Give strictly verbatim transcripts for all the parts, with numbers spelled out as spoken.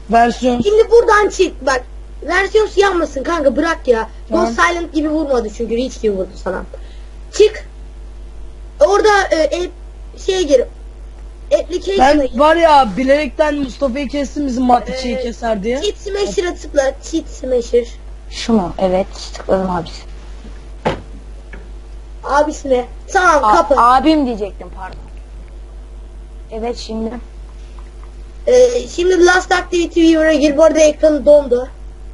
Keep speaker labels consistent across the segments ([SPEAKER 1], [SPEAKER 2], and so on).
[SPEAKER 1] Versiyon.
[SPEAKER 2] Şimdi buradan çık bak. Versiyon yanmasın kanka, bırak ya.
[SPEAKER 1] Tamam.
[SPEAKER 2] Ghost Silent gibi vurmadı çünkü Reach gibi vurdu sana. Çık. Orada e, e, şeye gir. Application'a
[SPEAKER 1] Ben
[SPEAKER 2] gir.
[SPEAKER 1] var ya bilerekten Mustafa'yı kestim bizim Matrix'i
[SPEAKER 2] Ee,
[SPEAKER 1] keser diye.
[SPEAKER 2] Cheat Smasher'a tıkla. Cheat Smasher.
[SPEAKER 3] Şu mu? Evet, tıkladım abisi.
[SPEAKER 2] Abisine. Tamam
[SPEAKER 3] A-
[SPEAKER 2] kapı.
[SPEAKER 3] abim diyecektim, pardon. Evet, şimdi.
[SPEAKER 2] Ee, şimdi Last Activity Viewer'a gir. Bu arada ekranı dondu.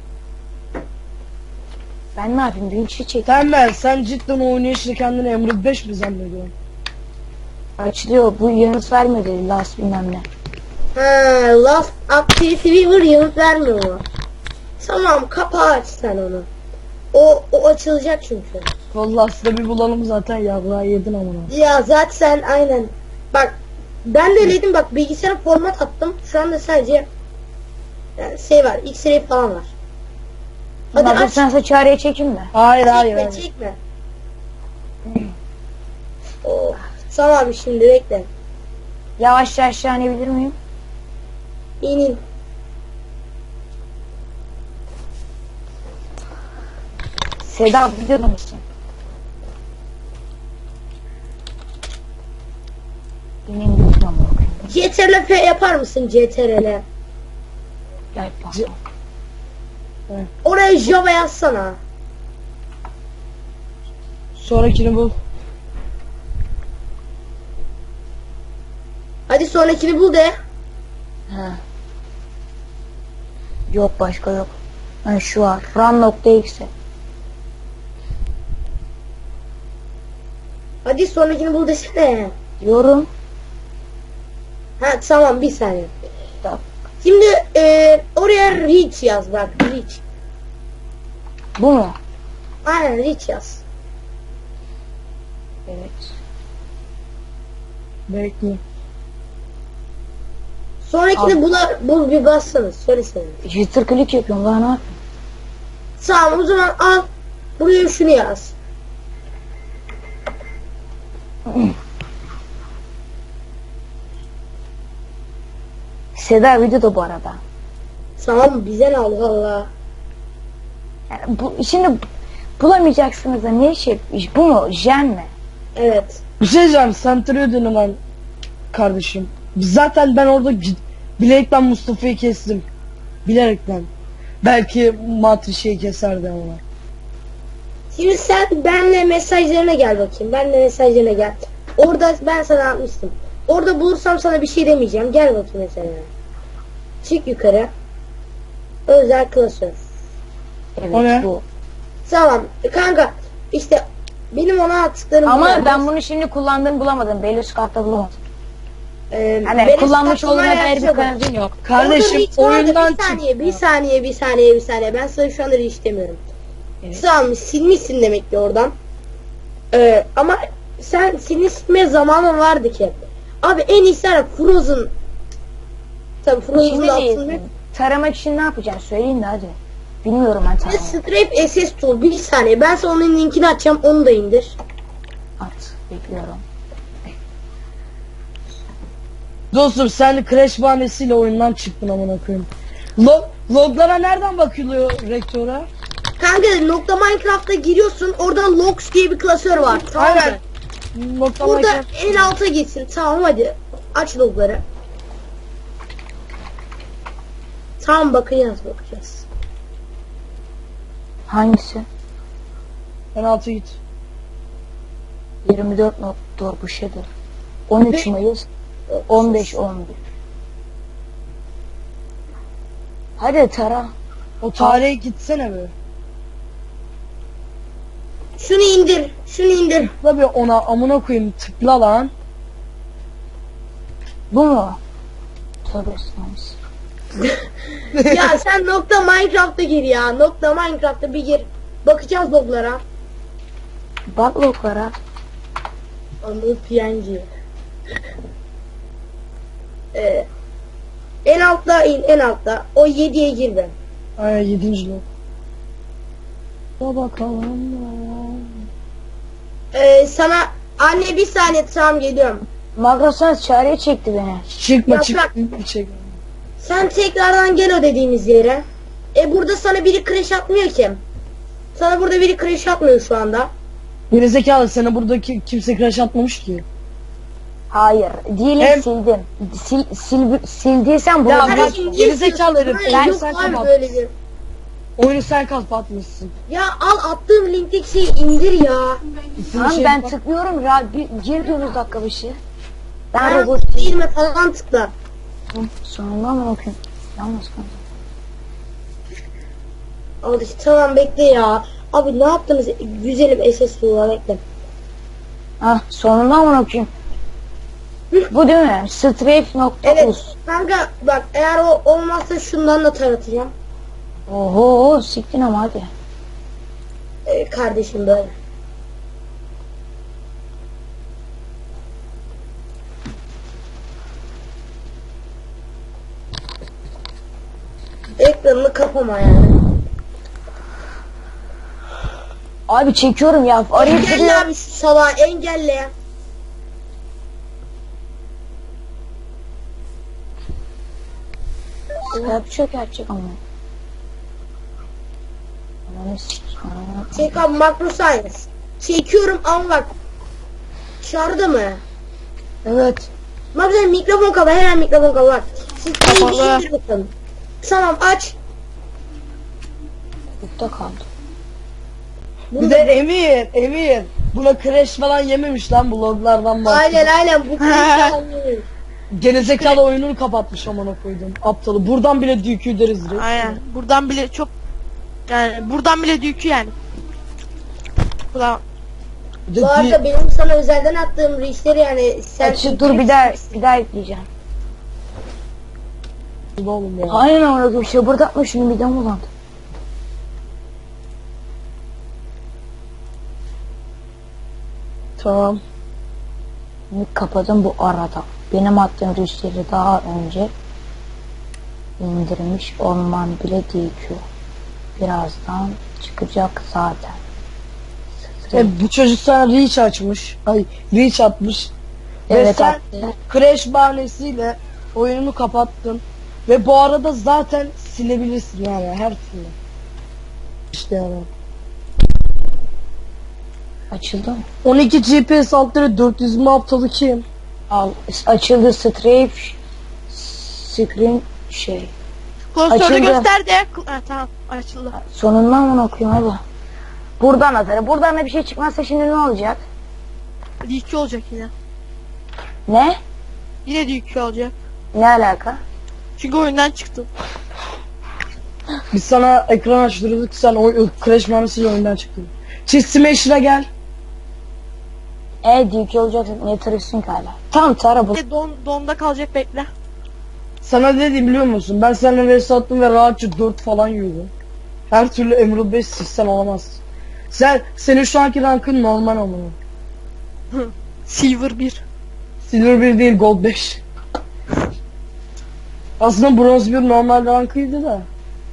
[SPEAKER 3] Ben ne yapayım? Vinç'i çek.
[SPEAKER 1] Sen ben sen cidden o oynayışla kendini Emre beş mi zannediyorsun?
[SPEAKER 3] Açılıyor. Bu yanıt vermiyor dedi. Last bilmem ne.
[SPEAKER 2] Ha, Last Activity Viewer yanıt vermiyor mu? Tamam kapağı aç sen onu. O, o açılacak çünkü.
[SPEAKER 1] Vallahi size bir bulalım zaten ya, buraya yedin amına.
[SPEAKER 2] Ya zaten sen aynen. Bak ben de öyleydim, bak bilgisayara format attım. Şu anda sadece yani şey var, X-ray falan var. Hadi
[SPEAKER 3] Hadi
[SPEAKER 2] aç.
[SPEAKER 3] sen çağrıya çekeyim mi?
[SPEAKER 1] Hayır hayır
[SPEAKER 2] Çekme
[SPEAKER 1] hayır.
[SPEAKER 2] çekme. Oh. Tamam şimdi bekle.
[SPEAKER 3] Yavaşça aşağı inebilir miyim?
[SPEAKER 2] İn in.
[SPEAKER 3] Seda biliyor musun? İneyim lütfen bakayım.
[SPEAKER 2] C T R L F yapar mısın C T R L?
[SPEAKER 3] Gel bak.
[SPEAKER 1] C-
[SPEAKER 2] Oraya Java yazsana.
[SPEAKER 1] Sonrakini bul.
[SPEAKER 2] Hadi sonrakini bul de.
[SPEAKER 3] Ha. Yok, başka yok. Ha, şu var. Run.exe.
[SPEAKER 2] Hadi sonrakini bul desene.
[SPEAKER 3] Yorum.
[SPEAKER 2] Ha tamam bir saniye.
[SPEAKER 3] Tamam.
[SPEAKER 2] Şimdi e, oraya reach yaz bak, reach.
[SPEAKER 3] Bu mu?
[SPEAKER 2] Aynen reach yaz.
[SPEAKER 3] Evet.
[SPEAKER 1] Bekle.
[SPEAKER 2] Sonrakini
[SPEAKER 3] Al.
[SPEAKER 2] bula, bul bir bassana, söylesene.
[SPEAKER 3] Jitter click yapıyorum, daha ne yapayım?
[SPEAKER 2] Tamam o zaman al. Buraya şunu yaz.
[SPEAKER 3] Seda videoda bu arada.
[SPEAKER 2] Tamam bize ne Allah Allah.
[SPEAKER 3] Yani bu, şimdi bulamayacaksınız da ne şey, bu mu? Jen mi?
[SPEAKER 2] Evet.
[SPEAKER 1] Bir şey diyeceğim, sen tırıyordun hemen kardeşim. Zaten ben orada gid- bilerekten Mustafa'yı kestim. Bilerekten. Belki Matrix'i keserdi ama.
[SPEAKER 2] Şimdi sen benle mesajlarına gel bakayım. Benle mesajlarına gel. Orada ben sana atmıştım. Orada bulursam sana bir şey demeyeceğim. Gel bakayım mesela. Çık yukarı. Özel klasör.
[SPEAKER 3] Evet,
[SPEAKER 1] O ne?
[SPEAKER 3] bu.
[SPEAKER 2] Tamam kanka işte benim ona attıklarım
[SPEAKER 3] Ama
[SPEAKER 2] bunlar.
[SPEAKER 3] ben bunu şimdi kullandığımı bulamadım. Belli kartta bulamadım.
[SPEAKER 2] Ee,
[SPEAKER 3] Hani
[SPEAKER 2] benim
[SPEAKER 3] kullanmış
[SPEAKER 2] startımla
[SPEAKER 3] olduğuna dair bir
[SPEAKER 2] yazıyor bak.
[SPEAKER 3] kanıtım yok.
[SPEAKER 1] Kardeşim
[SPEAKER 2] Orada reach vardı.
[SPEAKER 1] oyundan
[SPEAKER 2] bir saniye,
[SPEAKER 1] çık.
[SPEAKER 2] bir saniye, bir saniye, bir saniye. Ben sana şu anda reach demiyorum.
[SPEAKER 3] Evet.
[SPEAKER 2] Tamam, silmişsin demek ki oradan. Ee, ama sen seni silmeye zamanın vardı ki. Abi en iyisi var ya, Frozen. Tabii Frozen'ın
[SPEAKER 3] Şimdi
[SPEAKER 2] altında.
[SPEAKER 3] değil. Taramak için ne yapacaksın? Söyleyin de hadi. Bilmiyorum ben
[SPEAKER 2] Ve
[SPEAKER 3] taramayı.
[SPEAKER 2] Stripe S S Tool. Bir saniye. Ben sana onun linkini açacağım. Onu da indir.
[SPEAKER 3] At. Bekliyorum.
[SPEAKER 1] Dostum sen crash bahanesiyle oyundan çıktın amına koyayım. Log loglara nereden bakılıyor rektöre?
[SPEAKER 2] Kanka nokta Minecraft'a giriyorsun. Orada logs diye bir klasör var. Tamam mı?
[SPEAKER 1] Aynen. Nokta
[SPEAKER 2] Burada
[SPEAKER 1] Minecraft.
[SPEAKER 2] en alta gitsin. Tamam hadi. Aç logları. Tamam bakacağız bakacağız.
[SPEAKER 3] Hangisi?
[SPEAKER 1] En altı git.
[SPEAKER 3] yirmi dört not dur bu şeydir. on üç
[SPEAKER 2] Ve-
[SPEAKER 3] Mayıs on beş on bir. Hadi tara.
[SPEAKER 1] O tarihe gitsene be.
[SPEAKER 2] Şunu indir. Şunu indir.
[SPEAKER 1] Tıkla bir ona amına koyayım, tıkla lan.
[SPEAKER 3] Bu mu? Tövbe estağfurullah.
[SPEAKER 2] Ya sen nokta Minecraft'a gir ya. Nokta Minecraft'a bir gir. Bakacağız loglara.
[SPEAKER 3] Bak loklara.
[SPEAKER 2] Anıl P N G. Ee, en altta in, en altta. O yediye gir ben.
[SPEAKER 1] Aynen yedinci log. Da bakalım.
[SPEAKER 2] Ee, sana anne bir saniye, tamam geliyorum.
[SPEAKER 3] Magro sen çağrıya çekti beni.
[SPEAKER 1] Çıkma
[SPEAKER 2] Yaprak.
[SPEAKER 1] çık. Çek.
[SPEAKER 2] Sen tekrardan gel o dediğimiz yere. E burada sana biri crash atmıyor ki. Sana burada biri crash atmıyor şu anda.
[SPEAKER 1] Gerizekalı, sana buradaki kimse crash atmamış ki.
[SPEAKER 3] Hayır. Diyelim
[SPEAKER 1] Hem-
[SPEAKER 3] sildim. Sil, sil, sildiysen bunu
[SPEAKER 1] Ya
[SPEAKER 3] ben-
[SPEAKER 1] bak,
[SPEAKER 2] Kardeşim,
[SPEAKER 1] gerizekalı
[SPEAKER 2] niye
[SPEAKER 1] herif,
[SPEAKER 2] istiyorsun?
[SPEAKER 1] ben-
[SPEAKER 2] Yok
[SPEAKER 1] sen
[SPEAKER 2] abi
[SPEAKER 1] kapat.
[SPEAKER 2] böyle bir.
[SPEAKER 1] Oyunu sen kapatmışsın.
[SPEAKER 2] Ya al attığım linkteki şeyi indir ya.
[SPEAKER 1] İsim
[SPEAKER 3] Tamam
[SPEAKER 1] şey
[SPEAKER 3] ben
[SPEAKER 1] bak-
[SPEAKER 3] tıklıyorum. Ra bir, gir diyorsunuz dakika başı. Ben
[SPEAKER 2] Ben
[SPEAKER 3] robot değilim.
[SPEAKER 2] değilme falan tıkla.
[SPEAKER 3] Sonunda mı okuyayım? Yalnız kaldım.
[SPEAKER 2] Al işte tamam bekle ya. Abi ne yaptınız? Güzelim S S D'la bekle.
[SPEAKER 3] Ah sonunda mı okuyayım? Bu değil mi? Strafe nokta
[SPEAKER 2] Evet
[SPEAKER 3] us.
[SPEAKER 2] kanka bak eğer o olmazsa şundan da taratacağım.
[SPEAKER 3] Oho siktin ama hadi.
[SPEAKER 2] Ee, kardeşim böyle. Ekranını kapama yani.
[SPEAKER 3] Abi çekiyorum ya. Arayıp
[SPEAKER 2] Engelle
[SPEAKER 3] duruyor.
[SPEAKER 2] abi şu salağı engelle.
[SPEAKER 3] Skype çökertecek ama. Ananı sikeyim.
[SPEAKER 2] Çek abi makro science. Çekiyorum ama bak. Çağırdı mı?
[SPEAKER 1] Evet.
[SPEAKER 2] Bak sen mikrofon kapa hemen mikrofon kapa bak. Siz
[SPEAKER 1] Kapalı.
[SPEAKER 2] iyi bir şey bakın. Tamam aç.
[SPEAKER 3] Yurtta kaldım.
[SPEAKER 2] Bunu
[SPEAKER 1] Bir
[SPEAKER 2] da-
[SPEAKER 1] de Emir, Emir. Buna crash falan yememiş lan, bu loglardan bak.
[SPEAKER 2] Aynen aynen bu
[SPEAKER 1] Gerizekalı oyununu kapatmış, amına koydum. Aptalı. Buradan bile D Q deriz direkt.
[SPEAKER 4] Aynen. Buradan bile çok yani buradan bile düğkü yani. Ulan
[SPEAKER 1] Bir de
[SPEAKER 2] Bu arada
[SPEAKER 1] D-
[SPEAKER 2] benim sana özelden attığım reachleri yani sen
[SPEAKER 3] Açı, dur bir daha bir daha ekleyeceğim.
[SPEAKER 1] oğlum ya.
[SPEAKER 3] Aynen orada bir şey bırdatma şunu midem bulandı.
[SPEAKER 1] Tamam.
[SPEAKER 3] Şimdi kapadım bu arada. Benim attığım rüşteri daha önce indirmiş olman bile D Q. Birazdan çıkacak zaten.
[SPEAKER 1] E, bu çocuk sana reach açmış. Ay, reach atmış. Ve
[SPEAKER 3] Evet
[SPEAKER 1] sen
[SPEAKER 3] attı.
[SPEAKER 1] crash bahanesiyle oyununu kapattın. Ve bu arada zaten silebilirsin yani her türlü. İşte yani.
[SPEAKER 3] Açıldı mı?
[SPEAKER 1] on iki G P S altları dört yüz mü aptalı kim?
[SPEAKER 3] Al açıldı strafe screen şey.
[SPEAKER 4] klasörü
[SPEAKER 3] Açıldı.
[SPEAKER 4] göster de. Ha, tamam açıldı.
[SPEAKER 3] Sonundan mı okuyayım hadi. Buradan atarım. Buradan da bir şey çıkmazsa şimdi ne olacak?
[SPEAKER 4] düğkü olacak yine.
[SPEAKER 3] Ne?
[SPEAKER 4] Yine düğkü olacak.
[SPEAKER 3] Ne alaka?
[SPEAKER 4] Çünkü oyundan çıktım.
[SPEAKER 1] Biz sana ekran açtırdık, sen o o crash bahanesiyle oyundan çıktın. Çiz Smasher'a gel.
[SPEAKER 3] E D Q olacaksa niye tarıyorsun ki hala? Tamam tara bu.
[SPEAKER 4] E, don, donda kalacak bekle.
[SPEAKER 1] Sana ne dedim biliyor musun? Ben seninle vs attım ve rahatça dört falan yiyordum. Her türlü Emerald beş sistem olamazsın. Sen, senin şu anki rankın normal olmalı.
[SPEAKER 4] Silver bir.
[SPEAKER 1] Silver bir değil, Gold beş. Aslında Bronze bir normal rankıydı da.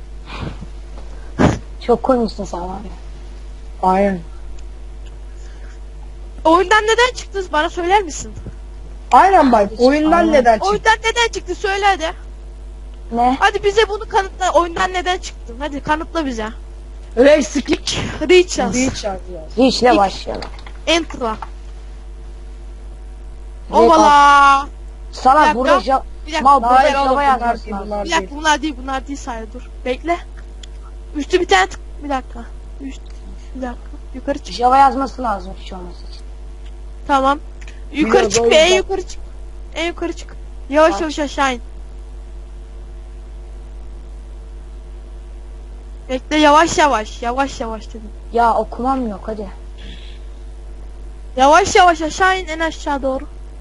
[SPEAKER 3] Çok koymuşsun sen var ya.
[SPEAKER 1] Aynen.
[SPEAKER 4] Oyundan neden çıktınız bana söyler misin?
[SPEAKER 1] Aynen bak, oyundan
[SPEAKER 3] Aynen.
[SPEAKER 1] neden çıktı?
[SPEAKER 4] Oyundan neden çıktı söyle hadi.
[SPEAKER 3] Ne?
[SPEAKER 4] Hadi bize bunu kanıtla. Oyundan neden çıktın? Hadi kanıtla bize.
[SPEAKER 1] Rex'lik
[SPEAKER 4] Reach yaz.
[SPEAKER 1] değil çarpı yaz.
[SPEAKER 3] Reach'le başlayalım.
[SPEAKER 4] Enter'a.
[SPEAKER 3] Direkt
[SPEAKER 4] Ovala. Bir
[SPEAKER 3] Sana
[SPEAKER 4] dakika.
[SPEAKER 3] burada ja
[SPEAKER 4] Bir dakika.
[SPEAKER 3] mal burada
[SPEAKER 1] Hayır oğlum,
[SPEAKER 3] Java
[SPEAKER 1] bunlar
[SPEAKER 3] yazması
[SPEAKER 1] değil,
[SPEAKER 3] lazım.
[SPEAKER 1] bunlar
[SPEAKER 4] Bir
[SPEAKER 1] değil.
[SPEAKER 4] dakika bunlar değil bunlar değil sayı dur. Bekle. Üstü bir tane tık. Bir dakika. Üst. Bir dakika. Yukarı çık.
[SPEAKER 3] Java yazması lazım hiç olması için.
[SPEAKER 4] Tamam. Yukarı
[SPEAKER 1] Biraz
[SPEAKER 4] çık
[SPEAKER 1] o
[SPEAKER 4] be en
[SPEAKER 1] yüzden.
[SPEAKER 4] yukarı çık. En yukarı çık. Yavaş
[SPEAKER 3] Bak.
[SPEAKER 4] yavaş aşağı in. Bekle yavaş yavaş. Yavaş yavaş dedim.
[SPEAKER 3] Ya okumam yok hadi.
[SPEAKER 4] Yavaş yavaş aşağı in en aşağı doğru.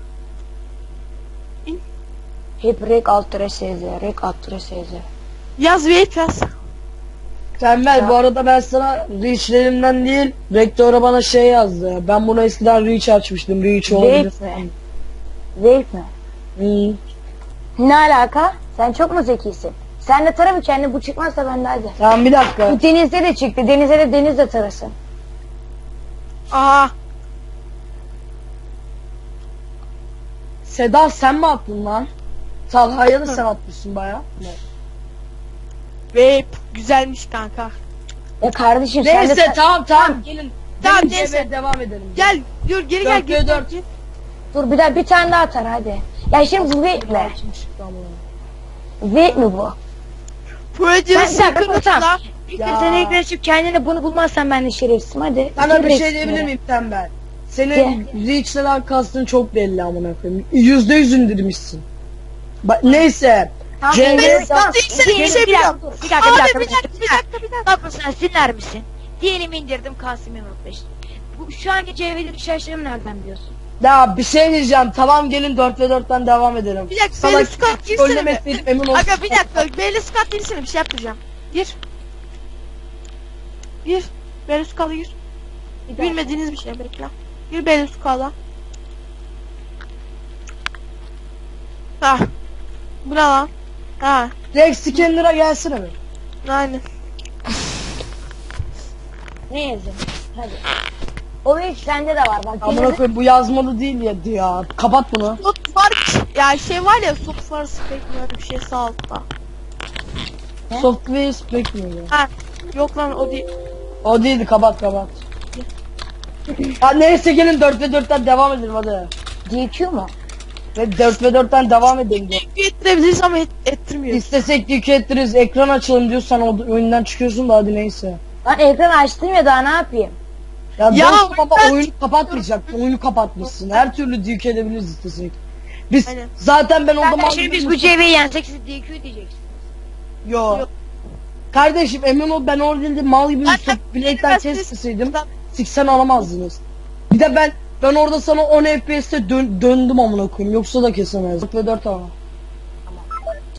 [SPEAKER 3] Hep rek alt tere S Z, rek alt tere S Z.
[SPEAKER 4] Yaz vape yaz.
[SPEAKER 1] Tembel,
[SPEAKER 3] Ya.
[SPEAKER 1] bu arada ben sana reachlerimden değil, rektöre bana şey yazdı. Ben bunu eskiden reach açmıştım, reach olabilir.
[SPEAKER 3] Vape mi? Vape mi?
[SPEAKER 1] Hmm.
[SPEAKER 3] Ne alaka? Sen çok mu zekisin? Sen de tara mı kendi bu çıkmazsa ben de hadi.
[SPEAKER 1] Tamam bir dakika.
[SPEAKER 3] Bu denizde de çıktı. Denize de deniz de tarasın.
[SPEAKER 4] Aa.
[SPEAKER 1] Seda sen mi attın lan? Talha'ya da sen atmışsın baya.
[SPEAKER 4] Vape güzelmiş kanka.
[SPEAKER 3] Ya kardeşim sen de...
[SPEAKER 1] Neyse tamam tamam gelin.
[SPEAKER 4] Tamam,
[SPEAKER 1] Gelin
[SPEAKER 4] neyse.
[SPEAKER 1] eve devam edelim.
[SPEAKER 4] Gel dur geri gel.
[SPEAKER 1] Dört ve
[SPEAKER 4] geri
[SPEAKER 1] dört.
[SPEAKER 4] gel.
[SPEAKER 3] Dur bir daha bir tane daha atar hadi. Ya şimdi bu vape mi?
[SPEAKER 1] Kim çıktı ama?
[SPEAKER 3] Vape mi bu?
[SPEAKER 4] Projenin
[SPEAKER 3] Ben- sen-
[SPEAKER 4] secret'ı
[SPEAKER 3] tamam.
[SPEAKER 4] da.
[SPEAKER 3] İlk
[SPEAKER 1] Ya.
[SPEAKER 3] sen ekran açıp kendine bunu bulmazsan ben de şerefsizim hadi.
[SPEAKER 1] Sana bir
[SPEAKER 3] Bitir
[SPEAKER 1] şey
[SPEAKER 3] resmini.
[SPEAKER 1] diyebilir miyim tembel? Senin reach'ten kastın çok belli amına koyayım. Yüzde yüz indirmişsin. Ba neyse.
[SPEAKER 3] Tamam,
[SPEAKER 1] Cengiz-
[SPEAKER 3] diyelim-
[SPEAKER 4] Ben
[SPEAKER 3] tamam,
[SPEAKER 4] tek seni bir
[SPEAKER 3] diyelim-
[SPEAKER 4] şey
[SPEAKER 3] bir
[SPEAKER 4] biliyorum.
[SPEAKER 3] dakika, dur, bir dakika, bir
[SPEAKER 4] Abi
[SPEAKER 3] dakika,
[SPEAKER 4] bir dakika bir dakika bir dakika.
[SPEAKER 3] Bak sen siler misin? Diyelim indirdim Kasım Yumruk beş. Bu şu anki cevherin şaşırım nereden biliyorsun?
[SPEAKER 1] Ya bir şey diyeceğim. Tamam gelin dört ve dörtten devam edelim.
[SPEAKER 4] Bir dakika
[SPEAKER 1] Sana
[SPEAKER 4] Belli Scott girsene.
[SPEAKER 1] trollemeseydim emin ol.
[SPEAKER 4] Aga bir dakika Belli Scott girsene bir şey yapacağım. Gir. Gir. Belli Scott'a gir. Bilmediğiniz bir şey bekle. Gir Belli Scott'a. Ha. Bu ne lan? Ha.
[SPEAKER 1] Rex Scanner'a gelsene mi?
[SPEAKER 4] Aynen.
[SPEAKER 3] Ne yazayım? Hadi. O vape sende de var bak.
[SPEAKER 1] Amına
[SPEAKER 3] yine-
[SPEAKER 1] koyayım bu yazmalı değil ya ya. Kapat bunu.
[SPEAKER 4] Soft var ya şey var ya soft var spek mi öyle bir şey sağ altta.
[SPEAKER 3] Ne?
[SPEAKER 1] Software spec mi ya?
[SPEAKER 4] Ha. Yok lan o değil.
[SPEAKER 1] O değildi kapat kapat. Ya neyse gelin dört ve dörtten devam edelim hadi.
[SPEAKER 3] D Q mu?
[SPEAKER 1] Ve dört ve dörtten devam edelim diyor.
[SPEAKER 4] Ettirebiliriz ama et, ettirmiyor.
[SPEAKER 1] İstesek yük ettiririz. Ekran açalım diyorsan o oyundan çıkıyorsun da hadi neyse.
[SPEAKER 3] Lan ekranı açtım ya daha ne yapayım?
[SPEAKER 1] Ya,
[SPEAKER 4] Ya
[SPEAKER 1] dostum ama
[SPEAKER 4] ben-
[SPEAKER 1] oyunu kapatmayacaksın. Oyunu kapatmışsın. Her türlü yük edebiliriz istesek. Biz
[SPEAKER 4] Aynen.
[SPEAKER 1] zaten ben o
[SPEAKER 3] Zaten
[SPEAKER 1] zaman...
[SPEAKER 3] şimdi biz bu cevheyi yensek siz D Q diyeceksiniz.
[SPEAKER 1] Yo.
[SPEAKER 4] Yok.
[SPEAKER 1] Kardeşim emin ol ben orada değil de mal gibi
[SPEAKER 4] Ben-
[SPEAKER 1] üstü bileğinden
[SPEAKER 4] ben-
[SPEAKER 1] kesmeseydim
[SPEAKER 4] Ben-
[SPEAKER 1] siksen alamazdınız. Bir de ben ben orada sana on F P S'te dön, döndüm amına koyayım yoksa da kesemezdim. dört ve dört ama.